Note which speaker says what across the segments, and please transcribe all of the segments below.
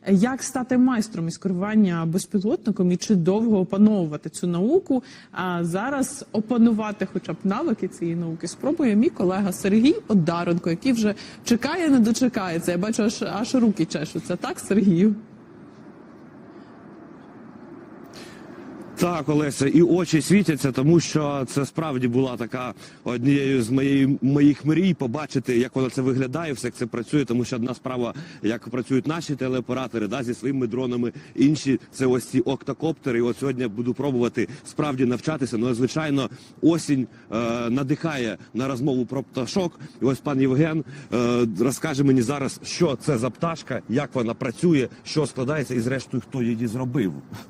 Speaker 1: Як стати майстром із керування безпілотником і чи довго опановувати цю науку? А зараз опанувати хоча б навики цієї науки спробує мій колега Сергій Одаренко, який вже чекає, не дочекається. Я бачу, аж руки чешуться. Так, Сергію?
Speaker 2: Так, Олеся, і очі світяться, тому що це справді була така однією з моїх мрій побачити, як воно це виглядає, все як це працює, тому що одна справа, як працюють наші телеоператори, зі своїми дронами, інші це ось ці октокоптери. І от сьогодні я буду пробувати справді навчатися. Ну, звичайно, осінь надихає на розмову про пташок. І ось пан Євген розкаже мені зараз, що це за пташка, як вона працює, що складається і зрештою, хто її зробив.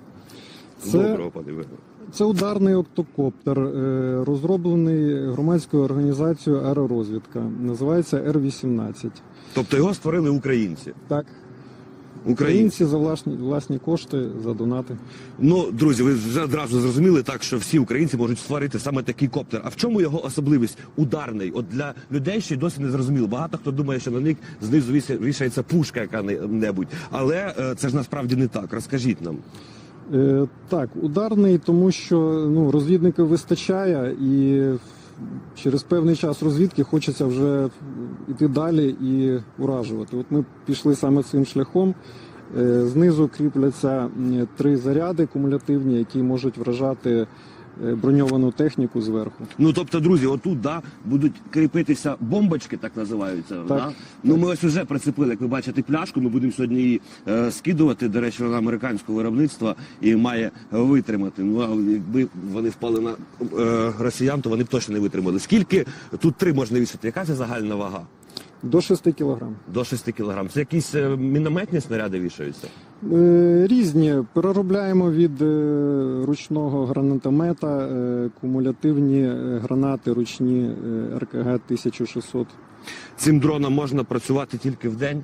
Speaker 3: Це ударний октокоптер, розроблений громадською організацією «Аеророзвідка». Називається Р-18.
Speaker 2: Тобто його створили українці?
Speaker 3: Так. Українці за власні кошти, за донати.
Speaker 2: Ну, друзі, ви вже одразу зрозуміли так, що всі українці можуть створити саме такий коптер. А в чому його особливість? Ударний. От для людей ще й досі не зрозуміло. Багато хто думає, що на них знизу вішається пушка яка-небудь. Але це ж насправді не так. Розкажіть нам.
Speaker 3: Так, ударний, тому що розвідників вистачає і через певний час розвідки хочеться вже йти далі і уражувати. От ми пішли саме цим шляхом. Знизу кріпляться 3 заряди кумулятивні, які можуть вражати броньовану техніку зверху.
Speaker 2: Ну, тобто, друзі, отут, будуть кріпитися бомбочки, так називаються.
Speaker 3: Так.
Speaker 2: Да? Ну, ми ось уже прицепили, як ви бачите, пляшку, ми будемо сьогодні її скидувати, до речі, вона американського виробництва і має витримати. Ну, а якби вони впали на росіян, то вони б точно не витримали. Скільки тут 3 можна вішати? Яка це загальна вага?
Speaker 3: До 6 кілограм.
Speaker 2: До 6 кілограм. Це якісь мінометні снаряди вішаються?
Speaker 3: Різні. Переробляємо від ручного гранатомета, кумулятивні гранати ручні РКГ-1600.
Speaker 2: Цим дроном можна працювати тільки вдень?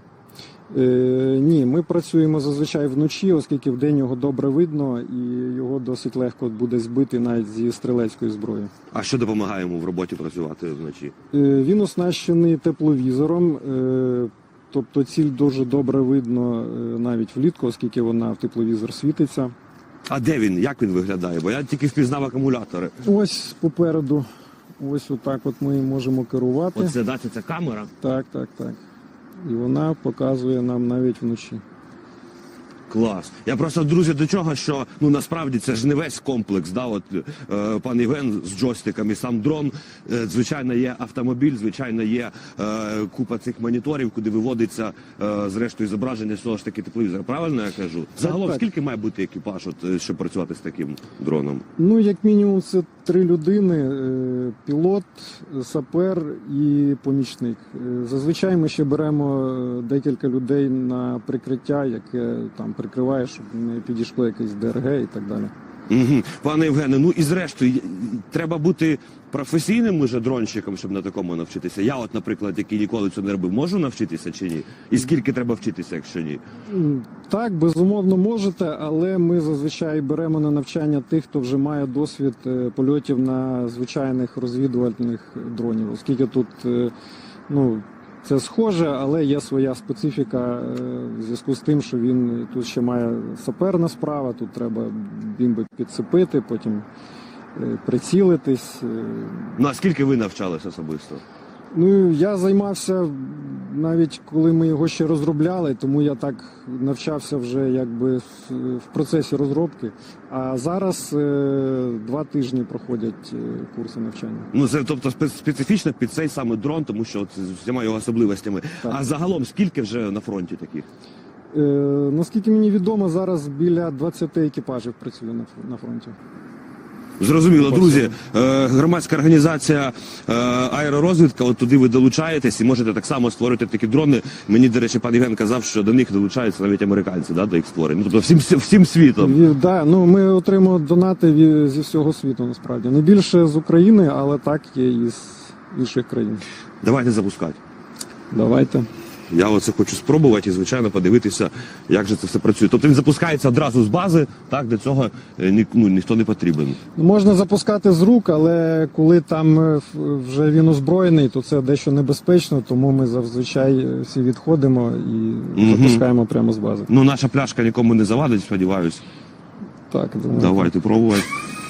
Speaker 3: Ні, ми працюємо зазвичай вночі, оскільки вдень його добре видно і його досить легко буде збити навіть зі стрілецької зброї.
Speaker 2: А що допомагає йому в роботі працювати вночі?
Speaker 3: Він оснащений тепловізором, тобто ціль дуже добре видно навіть влітку, оскільки вона в тепловізор світиться.
Speaker 2: А де він? Як він виглядає? Бо я тільки впізнав акумулятори.
Speaker 3: Ось попереду, ось отак от ми можемо керувати.
Speaker 2: Оце, це камера?
Speaker 3: Так. І вона показує нам навіть вночі.
Speaker 2: Клас. Я просто, друзі, до чого, що насправді це ж не весь комплекс. Пан Євген з джойстиком і сам дрон. Звичайно, є автомобіль, звичайно, є купа цих моніторів, куди виводиться зрештою зображення з того ж таки тепловізора. Правильно я кажу? Загалом,
Speaker 3: так.
Speaker 2: Скільки має бути екіпаж, щоб працювати з таким дроном?
Speaker 3: Ну, як мінімум, це 3 людини, пілот, сапер і помічник. Зазвичай ми ще беремо декілька людей на прикриття, яке там прикриває, щоб не підійшло якесь ДРГ і так далі.
Speaker 2: Угу. Пане Євгене, і зрештою, треба бути професійним уже дронщиком, щоб на такому навчитися. Я наприклад, який ніколи цього не робив, можу навчитися чи ні? І скільки треба вчитися, якщо ні?
Speaker 3: Так, безумовно можете, але ми зазвичай беремо на навчання тих, хто вже має досвід польотів на звичайних розвідувальних дронів, оскільки тут, це схоже, але є своя специфіка в зв'язку з тим, що він тут ще має саперна справа, тут треба бімби підцепити, потім прицілитись.
Speaker 2: Ну, а скільки ви навчались особисто?
Speaker 3: Я займався навіть коли ми його ще розробляли, тому я так навчався вже якби в процесі розробки. А зараз 2 тижні проходять курси навчання.
Speaker 2: Це тобто специфічно під цей саме дрон, тому що з усіма його особливостями. Так. А загалом скільки вже на фронті таких?
Speaker 3: Наскільки мені відомо, зараз біля 20 екіпажів працює на фронті.
Speaker 2: Зрозуміло, друзі, громадська організація «Аеророзвідка», от туди ви долучаєтесь і можете так само створити такі дрони. Мені, до речі, пан Євген казав, що до них долучаються навіть американці, до їх створення. Тобто всім світом.
Speaker 3: Ми отримуємо донати зі всього світу, насправді. Не більше з України, але так є і з інших країн.
Speaker 2: Давайте запускати.
Speaker 3: Давайте.
Speaker 2: Я оце хочу спробувати і, звичайно, подивитися, як же це все працює. Тобто він запускається одразу з бази, так, для цього ніхто не потрібен.
Speaker 3: Можна запускати з рук, але коли там вже він озброєний, то це дещо небезпечно, тому ми зазвичай всі відходимо і запускаємо прямо з бази.
Speaker 2: Ну, наша пляшка нікому не завадить, сподіваюся.
Speaker 3: Так, думаю.
Speaker 2: Давайте пробувати.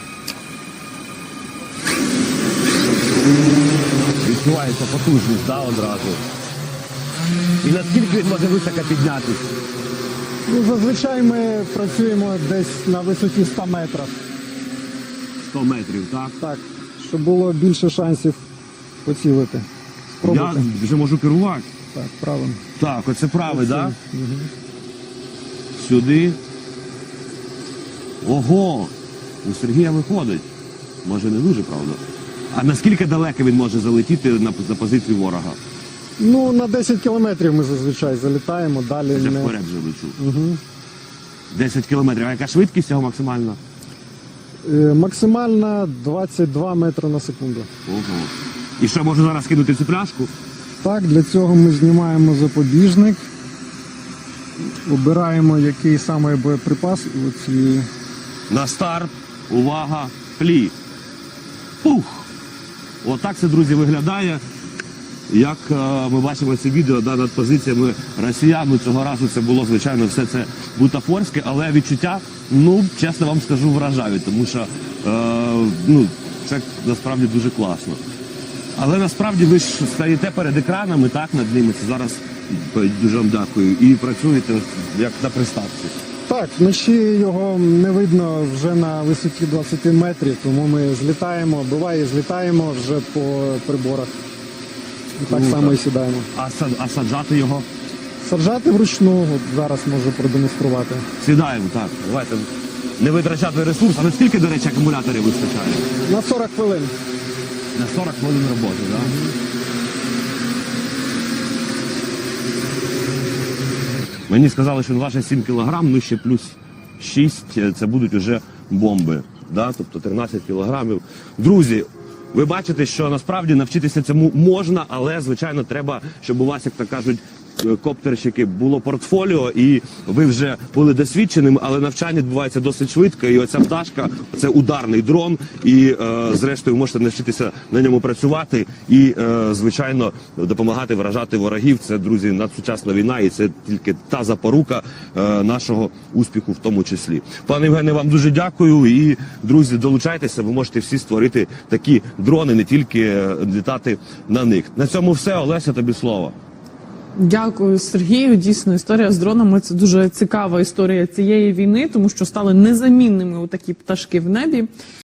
Speaker 2: Відчувається потужність, так, одразу. І наскільки він може високо піднятися?
Speaker 3: Ну, зазвичай ми працюємо десь на висоті 100 метрів.
Speaker 2: 100 метрів, так?
Speaker 3: Так, щоб було більше шансів поцілити.
Speaker 2: Я
Speaker 3: Спробуйте.
Speaker 2: вже можу керувати.
Speaker 3: Так, правильно.
Speaker 2: Так, оце правий, так?
Speaker 3: Мгм.
Speaker 2: Сюди. Ого! У Сергія виходить. Може, не дуже, правда? А наскільки далеко він може залетіти на позицію ворога?
Speaker 3: Ну, на 10 кілометрів ми зазвичай залітаємо, далі
Speaker 2: Я
Speaker 3: не...
Speaker 2: вперед вже лечу.
Speaker 3: Угу.
Speaker 2: 10 кілометрів. А яка швидкість його максимальна?
Speaker 3: Максимальна 22 метри на секунду.
Speaker 2: Ого. І що, можу зараз кинути цю пляшку?
Speaker 3: Так, для цього ми знімаємо запобіжник, обираємо який саме боєприпас. Оці...
Speaker 2: На старт. Увага. Плі. Пух! Отак це, друзі, виглядає. Як ми бачимо це відео над позиціями росіян, ну, цього разу це було, звичайно, все це бутафорське, але відчуття, ну, чесно вам скажу, вражають, тому що ну, це насправді дуже класно. Але насправді ви ж стоїте перед екранами, так, над ними, це зараз дуже вам дякую, і працюєте як на приставці.
Speaker 3: Так, вночі його не видно вже на висоті 20 метрів, тому ми злітаємо, буває, злітаємо вже по приборах. І так
Speaker 2: Круто.
Speaker 3: само і сідаємо.
Speaker 2: А саджати його?
Speaker 3: Саджати вручну, от зараз можу продемонструвати.
Speaker 2: Сідаємо, так. Давайте не витрачати ресурс. А наскільки, до речі, акумуляторів вистачає?
Speaker 3: На 40 хвилин.
Speaker 2: На 40 хвилин роботи, так? Мені сказали, що він важить 7 кілограм, ну ще плюс 6, це будуть вже бомби. Да? Тобто 13 кілограмів. Друзі, ви бачите, що насправді навчитися цьому можна, але, звичайно, треба, щоб у вас, як то кажуть, коптерщики, було портфоліо, і ви вже були досвідченими, але навчання відбувається досить швидко, і оця пташка – це ударний дрон, і, зрештою, можете навчитися на ньому працювати і, звичайно, допомагати вражати ворогів. Це, друзі, надсучасна війна, і це тільки та запорука нашого успіху в тому числі. Пане Євгене, вам дуже дякую, і, друзі, долучайтеся, ви можете всі створити такі дрони, не тільки літати на них. На цьому все. Олеся, тобі слово.
Speaker 1: Дякую, Сергію. Дійсно, історія з дронами – це дуже цікава історія цієї війни, тому що стали незамінними отакі пташки в небі.